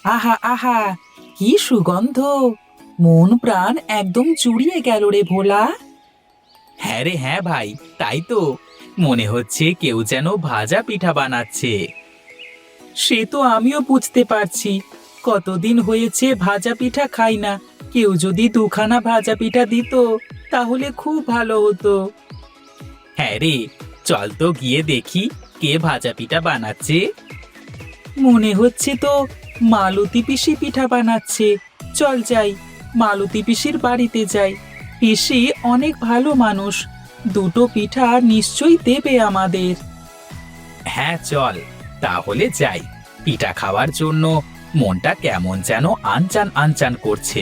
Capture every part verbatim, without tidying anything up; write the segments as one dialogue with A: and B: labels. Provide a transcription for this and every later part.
A: আহা আহা, কি সুগন্ধ! মন প্রাণ একদম জুড়িয়ে গেল রে ভোলা। হ্যাঁ রে হ্যাঁ ভাই, তাই তো। মনে হচ্ছে কেউ যেন ভাজা পিঠা বানাচ্ছে। সে তো আমিও বুঝতে পারছি। কতদিন হয়েছে ভাজা পিঠা খাই না। কেউ যদি দুখানা ভাজা পিঠা দিত তাহলে খুব ভালো হতো। হ্যাঁ রে, চল তো গিয়ে দেখি কে ভাজা পিঠা বানাচ্ছে। মনে হচ্ছে তো মালতী পিসি পিঠা বানাচ্ছে। চল যাই, মালতী পিসির বাড়িতে যাই। পিসি অনেক ভালো মানুষ, দুটো পিঠা নিশ্চয়ই দেবে আমাদের। হ্যাঁ চল, তাহলে যাই। পিঠা খাওয়ার জন্য মনটা কেমন যেন আনচান আনচান করছে।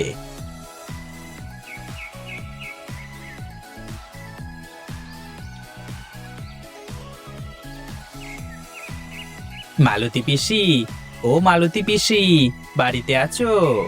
A: মালতী পিসি, ও মালতী পিসি, বাড়িতে আছো?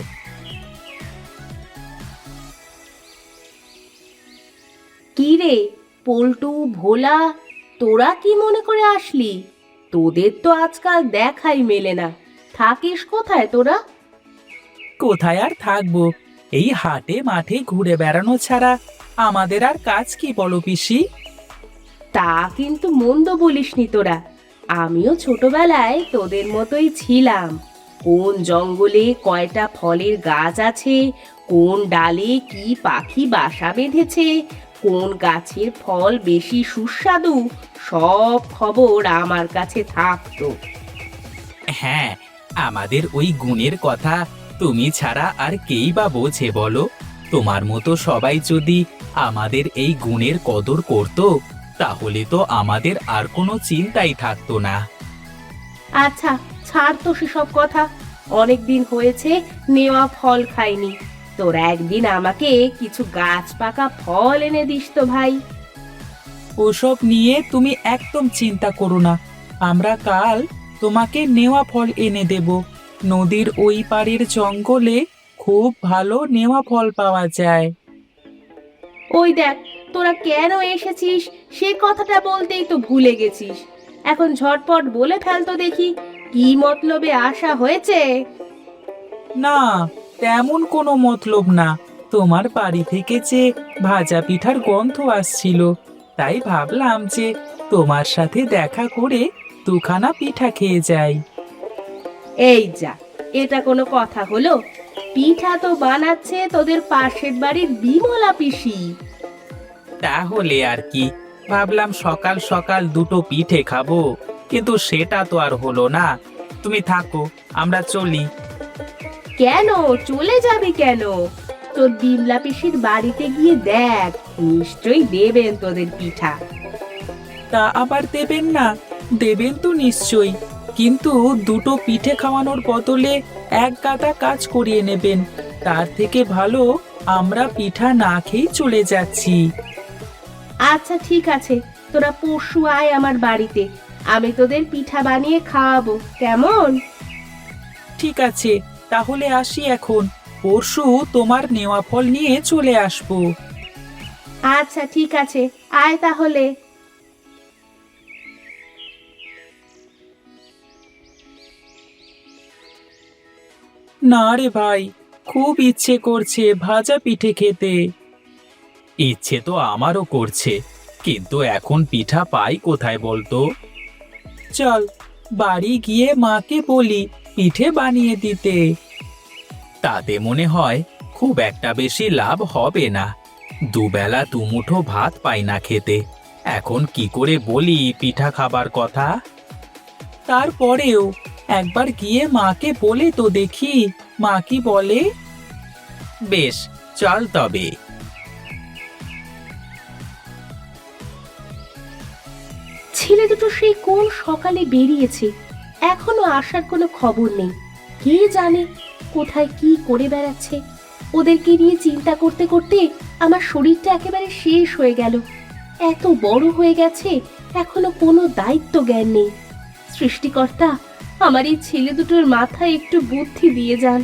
B: কি রে পল্টু, ভোলা, তোরা কি মনে করে আসলি? তোদের তো আজকাল দেখাই মেলে না। থাকিস কোথায় তোরা?
A: কোথায় আর থাকবো, এই হাটে মাঠে ঘুরে বেড়ানো ছাড়া আমাদের আর কাজ কি বলো পিসি?
B: তা কিন্তু মন্দ বলিসনি তোরা। আমিও ছোটবেলায় তোদের মতোই ছিলাম। কোন জঙ্গলে কয়টা ফলের গাছ আছে, কোন ডালে কি পাখি বাসা বেঁধেছে, কোন গাছের ফল বেশি সুস্বাদু, সব খবর আমার কাছে থাকতো।
A: হ্যাঁ, আমাদের ওই গুণের কথা তুমি ছাড়া আর কেই বা বোঝে বলো? তোমার মতো সবাই যদি আমাদের এই গুণের কদর করত, তাহলে তো আমাদের আর কোনো চিন্তাই থাকতো না।
B: আচ্ছা, ছাড় তো সেসব কথা। অনেক দিন হয়েছে নেওয়া ফল খাইনি। তোরা একদিন আমাকে কিছু গাছ পাকা ফল এনে দিস তো ভাই।
A: ওসব নিয়ে তুমি একদম চিন্তা করো না। আমরা কাল তোমাকে নেওয়া ফল এনে দেব। নদীর ওই পাড়ের জঙ্গলে খুব ভালো নেওয়া ফল পাওয়া যায়।
B: ওই দেখ, তোরা কেন এসেছিস সে কথাটা বলতেই তো ভুলে গেছিস। এখন ঝটপট বলে ফেল তো দেখি, কি মতলবে আসা হয়েছে?
A: না, তেমন কোনো মতলব না। তোমার বাড়ি থেকে যে ভাজা পিঠার গন্ধ আসছিল, তাই ভাবলাম যে তোমার সাথে দেখা করে দুখানা পিঠা খেয়ে যাই।
B: এই যা, এটা কোনো কথা হলো? পিঠা তো বানাচ্ছে তোদের পাশের বাড়ির বিমলা পিসি।
A: তাহলে আর কি, ভাবলাম সকাল সকাল দুটো পিঠে খাবো, কিন্তু সেটা তো আর হলো না। তুমি থাকো, আমরা চলি।
B: কেন চলে যাবি কেন? তোর বিমলা পিসির বাড়িতে গিয়ে দেখ, নিশ্চয়ই দেবেন তোদের পিঠা।
A: তা আবার দেবেন না? দেবেন তো নিশ্চয়ই, কিন্তু দুটো পিঠে খাওয়ানোর বদলে এক গাদা কাজ করিয়ে নেবেন। তার থেকে ভালো আমরা পিঠা না খেয়েই চলে যাচ্ছি।
B: আচ্ছা ঠিক আছে, তোরা পরশু আয় আমার বাড়িতে। আমি তোদের পিঠা বানিয়ে খাওয়াবো, কেমন?
A: ঠিক আছে, তাহলে আসি এখন। পরশু তোমার নেওয়া ফল নিয়ে চলে আসবো।
B: আচ্ছা ঠিক আছে, আয় তাহলে।
A: না রে ভাই, খুব ইচ্ছে করছে ভাজা পিঠে খেতে। ইচ্ছে তো আমারও করছে, কিন্তু এখন পিঠা পাই কোথায় বলতো? চল, বাড়ি গিয়ে মাকে বলি পিঠে বানিয়ে দিতে। তাতে মনে হয় খুব একটা বেশি লাভ হবে না। দুবেলা দুমুঠো ভাত পাই না খেতে, এখন কি করে বলি পিঠা খাবার কথা? তারপরেও একবার গিয়ে মাকে বলে তো দেখি, মা কি বলে। বেশ, চল তবে।
B: ছেলে দুটো সেই কোন সকালে বেরিয়েছে, এখনো আসার কোনো খবর নেই। কে জানে কোথায় কি করে বেড়াচ্ছে। ওদেরকে নিয়ে চিন্তা করতে করতে আমার শরীরটা একেবারে শেষ হয়ে গেল। এত বড় হয়ে গেছে, এখনো কোনো দায়িত্ব জ্ঞান নেই। সৃষ্টিকর্তা, আমার এই ছেলে দুটোর মাথায় একটু বুদ্ধি দিয়ে যান।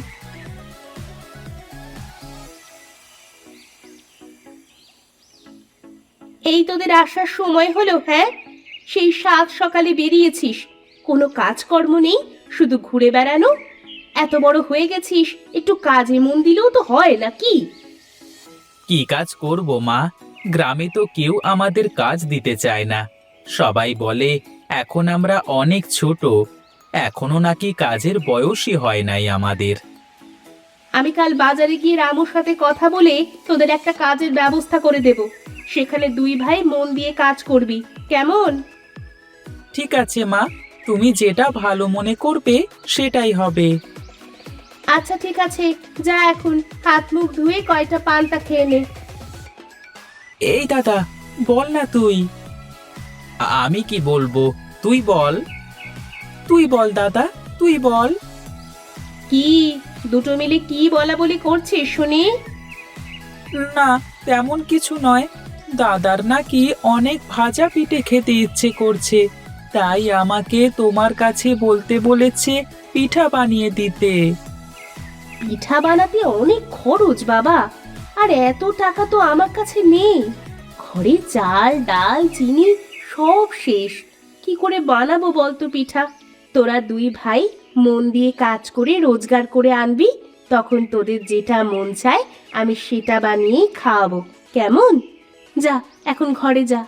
B: এই তোদের আসার সময় হলো? হ্যাঁ, সেই সাত সকালে বেরিয়েছিস, কোনো কাজকর্ম নেই, শুধু ঘুরে বেড়ানো। এত বড় হয়ে গেছিস, একটু কাজে মন দিলেও তো হয় নাকি?
A: কি কাজ করব মা? গ্রামে তো কেউ আমাদের কাজ দিতে চায় না। সবাই বলে এখন আমরা অনেক ছোট, এখনো নাকি কাজের বয়সই হয় নাই আমাদের।
B: আমি কাল বাজারে গিয়ে রামুর সাথে কথা বলে তোদের একটা কাজের ব্যবস্থা করে দেব। সেখানে দুই ভাই মন দিয়ে কাজ করবি, কেমন?
A: ঠিক আছে মা, তুমি যেটা ভালো মনে করবে সেটাই হবে।
B: আচ্ছা ঠিক আছে, যা এখন হাত মুখ ধুয়ে কয়টা পান্তা খেয়ে নে।
A: এই দাদা, বল না তুই। আ- আমি কি বলবো, তুই বল। তুই বল দাদা, তুই বল।
B: কি দুটো মিলে কি বলা বলি করছিস শুনি?
A: না, তেমন কিছু নয়। দাদার নাকি অনেক ভাজা পিঠে খেতে ইচ্ছে করছে, তাই আমাকে তোমার কাছে বলতে বলেছে পিঠা বানিয়ে দিতে।
B: পিঠা বানাতে অনেক খরচ বাবা, আর এত টাকা তো আমার কাছে নেই। ঘরে চাল ডাল চিনি সব শেষ, কি করে বানাবো বলতো পিঠা? তোরা দুই ভাই মন দিয়ে কাজ করে রোজগার করে আনবি, তখন তোদের যেটা মন চায় আমি সেটা বানিয়েই খাওয়াবো, কেমন? যা এখন ঘরে যা।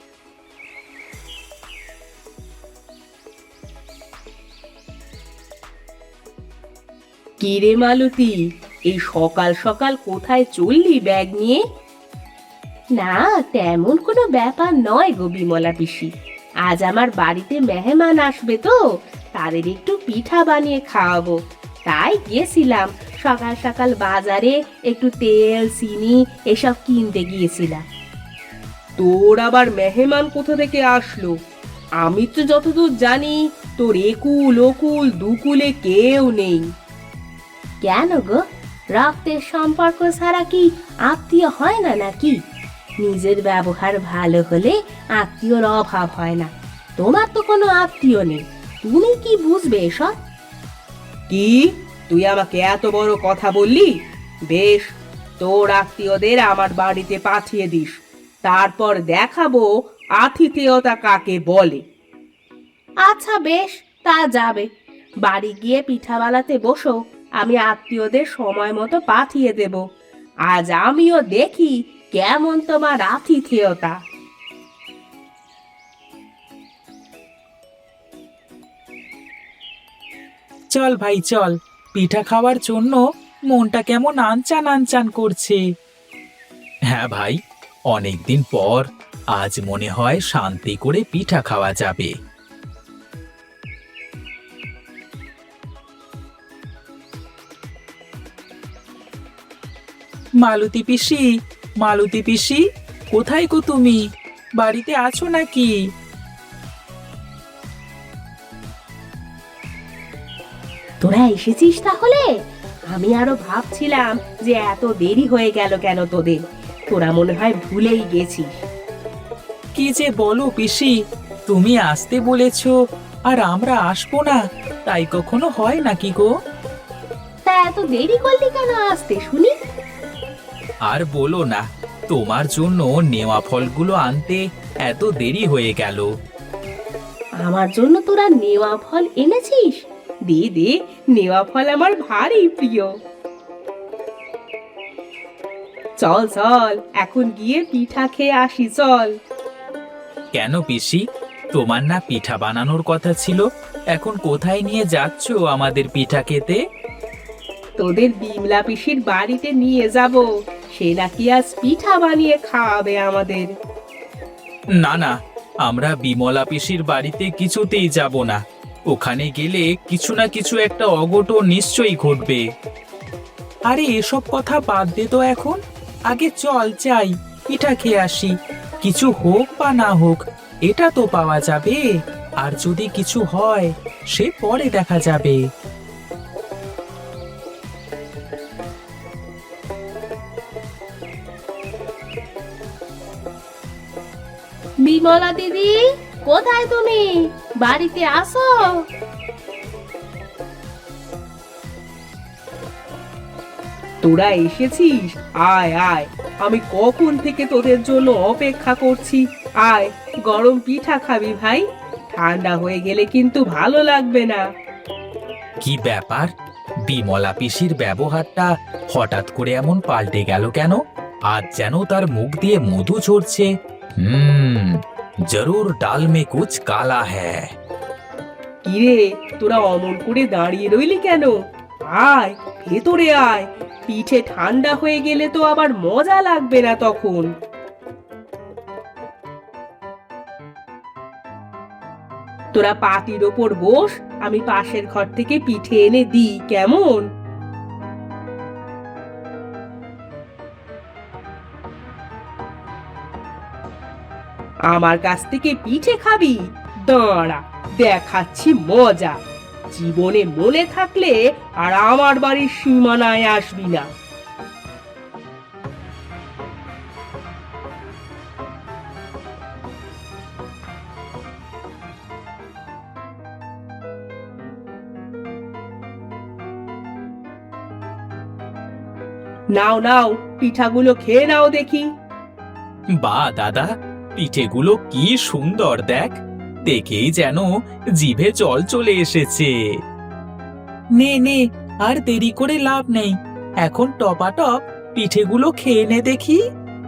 B: কি রে মালতী, এই সকাল সকাল কোথায় চললি ব্যাগ নিয়ে? না, তেমন কোনো ব্যাপার নয় গো বিমলা পিসি। আজ আমার বাড়িতে মেহমান আসবে তো, তাদের একটু পিঠা বানিয়ে খাওয়াবো, তাই গিয়েছিলাম সকাল সকাল বাজারে একটু তেল চিনি এসব কিনতে গিয়েছিলাম। তোর আবার মেহমান কোথা থেকে আসলো? আমি তো যতদূর জানি তোর একুল ওকুল দুকুলে কেউ নেই। কেন গো, রক্তের সম্পর্ক ছাড়া কি আত্মীয় হয় না নাকি? নিজের ব্যবহার ভালো হলে আত্মীয়র অভাব হয় না। তোমার তো কোনো আত্মীয় নেই, তুমি কি বুঝবে এসব? কি, তুই আমাকে এত বড় কথা বললি? বেশ, তোর আত্মীয়দের আমার বাড়িতে পাঠিয়ে দিস, তারপর দেখাবো আতিথেয়তা কাকে বলে। আচ্ছা বেশ, তা যাবে। বাড়ি গিয়ে পিঠা বানাতে বসো, আমি আত্মীয়দের সময় মতো পাঠিয়ে দেব। আজ আমিও দেখি কেমন তোমার আতিথেয়তা।
A: চল ভাই চল, পিঠা খাওয়ার জন্য মনটা কেমন আনচান আনচান করছে। হ্যাঁ ভাই, অনেকদিন পর আজ মনে হয় শান্তি করে পিঠা খাওয়া যাবে। মালতী পিসি, মালতী পিসি, কোথায় গো তুমি? বাড়িতে আছো নাকি?
B: তোরা এসেছিস তাহলে? আমি আরো ভাবছিলাম যে এত দেরি হয়ে গেল কেন তোদের, তোরা মনে হয় ভুলেই গেছিস।
A: কি যে বলো পিসি, তুমি আসতে বলেছো আর আমরা আসবো না, তাই কখনো হয় নাকি গো?
B: তা এত দেরি করলি কেন আসতে শুনি?
A: আর বলো না, তোমার জন্য নেওয়া ফলগুলো আনতে এত দেরি হয়ে গেল।
B: আমার জন্য তোরা নেওয়া ফল এনেছিস? দে দে, নেওয়া ফল আমার ভারী প্রিয়। চল চল, এখন গিয়ে পিঠা খেয়ে আসি চল।
A: কেন পিসি, তোমার না পিঠা বানানোর কথা ছিল? এখন কোথায় নিয়ে যাচ্ছ আমাদের পিঠা খেতে?
B: তোদের বিমলা পিসির বাড়িতে নিয়ে যাব, সে নাকি আজ পিঠা বানিয়ে খাওয়াবে আমাদের।
A: না না, আমরা বিমলা পিসির বাড়িতে কিছুতেই যাব না। ওখানে গেলে কিছু না কিছু একটা অঘটন নিশ্চয়ই ঘটবে। আরে এসব কথা বাদ দে তো এখন, আগে চল যাই, পিঠা খেয়ে আসি। কিছু হোক বা না হোক, এটা তো পাওয়া যাবে, আর যদি কিছু হয় সে পরে দেখা যাবে।
B: বিমলা দিদি, কোথায় তুমি? বাড়িতে আসো। তোরা এসেছিস, আয় আয়, আমি কখন থেকে তোদের জন্য অপেক্ষা করছি। আয়, গরম পিঠা খাবি ভাই? ঠান্ডা হয়ে গেলে কিন্তু ভালো লাগবে না।
A: কি ব্যাপার, বিমলা পিসির ব্যবহারটা হঠাৎ করে এমন পাল্টে গেল কেন? আজ যেন তার মুখ দিয়ে মধু ঝরছে। হুম, জরুর ডাল মে কুছ কালা হ্যায়।
C: কিরে, তোরা অমন করে দাঁড়িয়ে রইলি কেন? আয়, ভেতরে আয়। পিঠে ঠান্ডা হয়ে গেলে তো আবার মজা লাগবে না তখন। তোরা পাটির ওপর বস, আমি পাশের ঘর থেকে পিঠে এনে দিই, কেমন? আমার কাছ থেকে পিঠে খাবি? দাঁড়া, দেখাচ্ছি মজা। জীবনে মনে থাকলে আর আমার বাড়ির সীমানায় আসবি না। নাও নাও, পিঠাগুলো খেয়ে নাও দেখি।
A: বাহ দাদা, পিঠেগুলো কি সুন্দর দেখ, দেখেই যেন জিভে জল চলে এসেছে। নে নে, আর দেরি করে লাভ নেই, এখন টপাটপ পিঠেগুলো খেয়ে নে দেখি।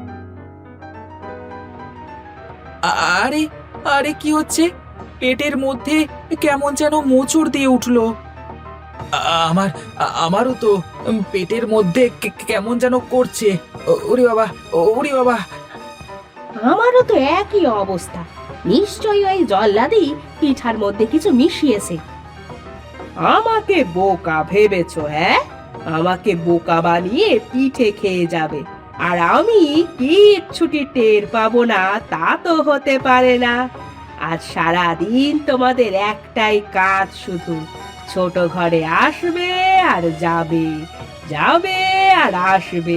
A: আ- আরে আরে কি হচ্ছে? পেটের মধ্যে কেমন যেন মোচড় দিয়ে উঠলো। আ- আমার আ- আমারও তো উম, পেটের মধ্যে কে- কেমন যেন করছে। ও- ওরে বাবা, ওরে বাবা।
B: আমারও তো একই অবস্থা। নিশ্চয়ই ওই জল্লাদি পিঠার মধ্যে কিছু মিশিয়েছে।
C: আমাকে বোকা ভেবেছো? হ্যাঁ, আমাকে বোকা বানিয়ে পিঠে খেয়ে যাবে, আর আমি কিচ্ছুটি টের পাবো না? তা তো হতে পারে না। আজ সারাদিন তোমাদের একটাই কাজ, শুধু ছোট ঘরে আসবে আর যাবে, যাবে আর আসবে।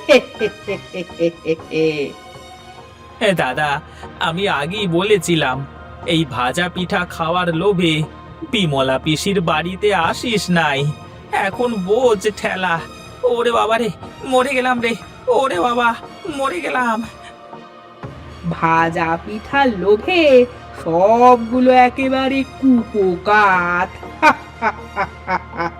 A: এ দাদা, আমি আগেই বলেছিলাম এই ভাজা পিঠা খাওয়ার লোভে বিমলা পিসির বাড়িতে আসিস নাই। এখন বোঝ ঠেলা। ওরে বাবা রে, মরে গেলাম রে। ওরে বাবা, মরে গেলাম।
C: ভাজা পিঠার লোভে সবগুলো একেবারে কুপোকাত।